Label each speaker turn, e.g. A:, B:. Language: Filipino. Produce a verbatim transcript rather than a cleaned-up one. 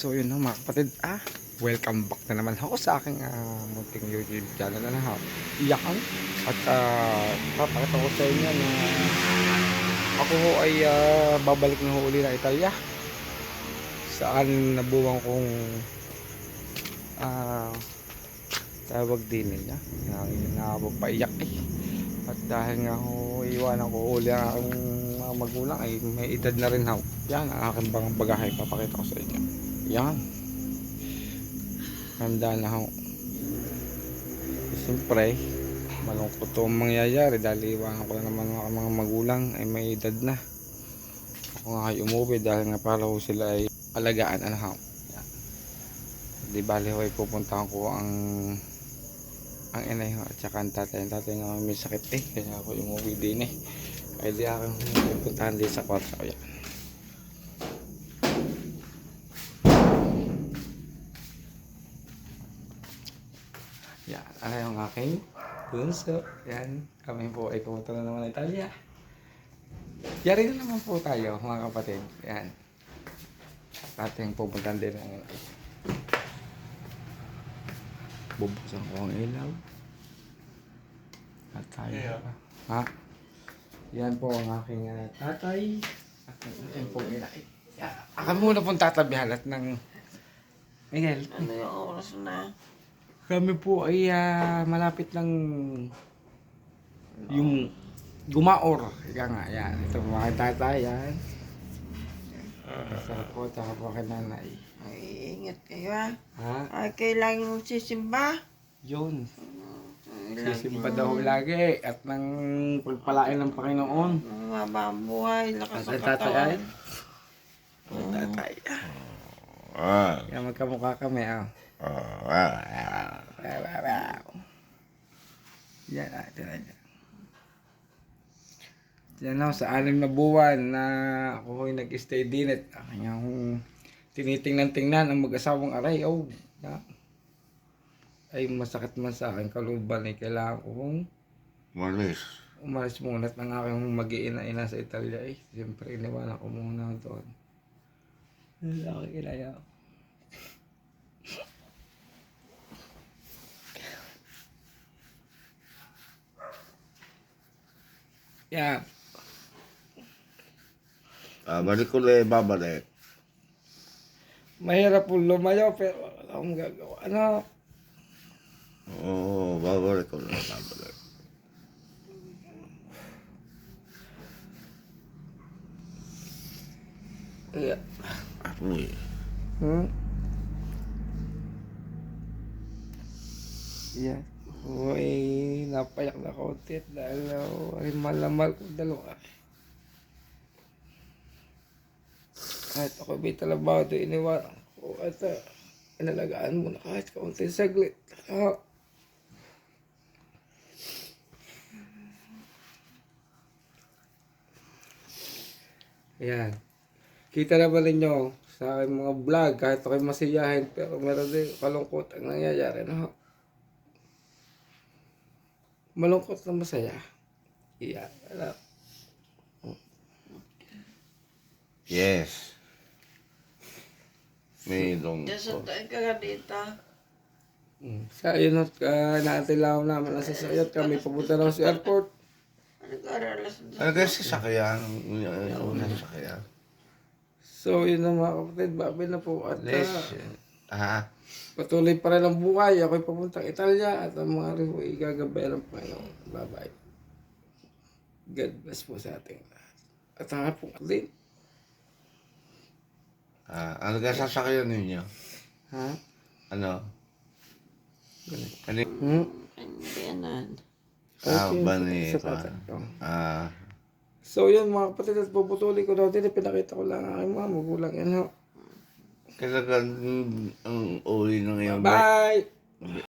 A: So yun na mga kapatid, ah, welcome back na naman ako sa aking uh, munting YouTube channel na ha. Iyakan at uh, papakita ko sa inyo na ako ho ay uh, babalik na ho uli na Italia. Saan nabuwang kong uh, tawag din niya, nakapagpaiyak eh. At dahil nga ho iwanan ko uli ang aking mga magulang ay may edad na rin ho. Yan ang aking bang bagahe, papakita ko sa inyo. Yan, handa na ho. Siyempre malungkot to ang mangyayari dahil iwanan ko na naman mga, mga magulang ay may edad na. Ako nga ay umuwi dahil nga para ho sila ay alagaan ano ho. Yan. Di bali ho ay pupuntahan ko ang ang inay ho at saka ang tatay. Ang tatay nga may sakit eh, kaya ako umuwi din eh. Ay di aking pupuntahan din sa kwarto. Yan. Yan, ano yung aking bunso. Yan, kami po ay pumunta na naman ng Italia. Yari na naman po tayo mga kapatid. Yan, ating pupuntahan din ang bubuksan ko ang ilaw. At tayo yeah. Ha? Yan po ang aking uh, tatay. At yan po ang inay. Yan, ako muna pong tatabihan at ng Miguel.
B: Ano yung oras na?
A: Kami po ay uh, malapit lang yung gumaor. Ika nga, yan. Ito mga tatay, yan. Sarap po, tsaka po kay nanay.
B: Ay, ingat kayo ha.
A: Ha?
B: Ay, kailangan mo sisimba.
A: Yun.
B: Ay,
A: Sisimba daw lagi at nang pagpalain ng Panginoon.
B: Ang mababa ang buhay, lakas
A: At
B: ang
A: tatay
B: katawan.
A: ay? Ang tatay.
C: Ah.
A: Kaya magkamukha kami, ah.
C: Oh, ah.
A: Yan, ah. Ito na dyan. Yan ako, sa anim na buwan na ako ay nag-stay din at kanyang tinitingnan-tingnan ang mag-asawang aray. Oh, na. Ay masakit man sa akin kaluban ay kailangan kong
C: Malis.
A: umalis muna at ang aking mag-iina-ina sa Italia eh. Siyempre iniwanan ko muna doon. Ang aking inaya. Yan.
C: Ah, balik ko ulit, babalik.
A: Mahirap po lumayo pero wala akong gagawa. Ano?
C: Oo, babalik ko ulit, babalik.
A: Yeah.
C: Uy.
A: Hmm? Yan. Uy, napayak na konti at dahil uh, ay malamal ko dalawa. Kahit ako may talabaho ito iniwanan ko at uh, inalagaan mo na kahit kaunting saglit. Uh, Yan. Kita naman ninyo sa aking mga vlog kahit ako'y masiyahin pero meron din kalungkot ang nangyayari. No? Malungkot na masaya. Iyan. Alam.
C: Yes. May long.
B: Nasantay ka nga dito.
A: Mm. Sa yun at uh, naatilaw namin ang sasayat kami papunta na sa airport.
B: Nag-aralas na.
C: Ano kasi sasakyan? Una sasakyan.
A: So yun na mga kapatid, babi na po at
C: Yes.
A: uh,
C: Ah.
A: patuloy pa rin ang buhay. Ako'y papuntang Italia at ang mga rin ay gagabayan ng Panginoon. Bye bye. God bless po sa ating lahat. At ang hapong din.
C: Ah, ano ka sasakyan ninyo?
A: Ha?
C: Ano? Ano?
A: Hmm?
B: Hindi yan.
C: Ah,
A: Okay,
C: bani.
A: sa tatay ko.
C: Ah.
A: So yun mga kapatid at puputuloy ko daw din. Pinakita ko lang ang aking mga magulang yan. Ho.
C: Kailangan ang uli ng iyong
A: Bye!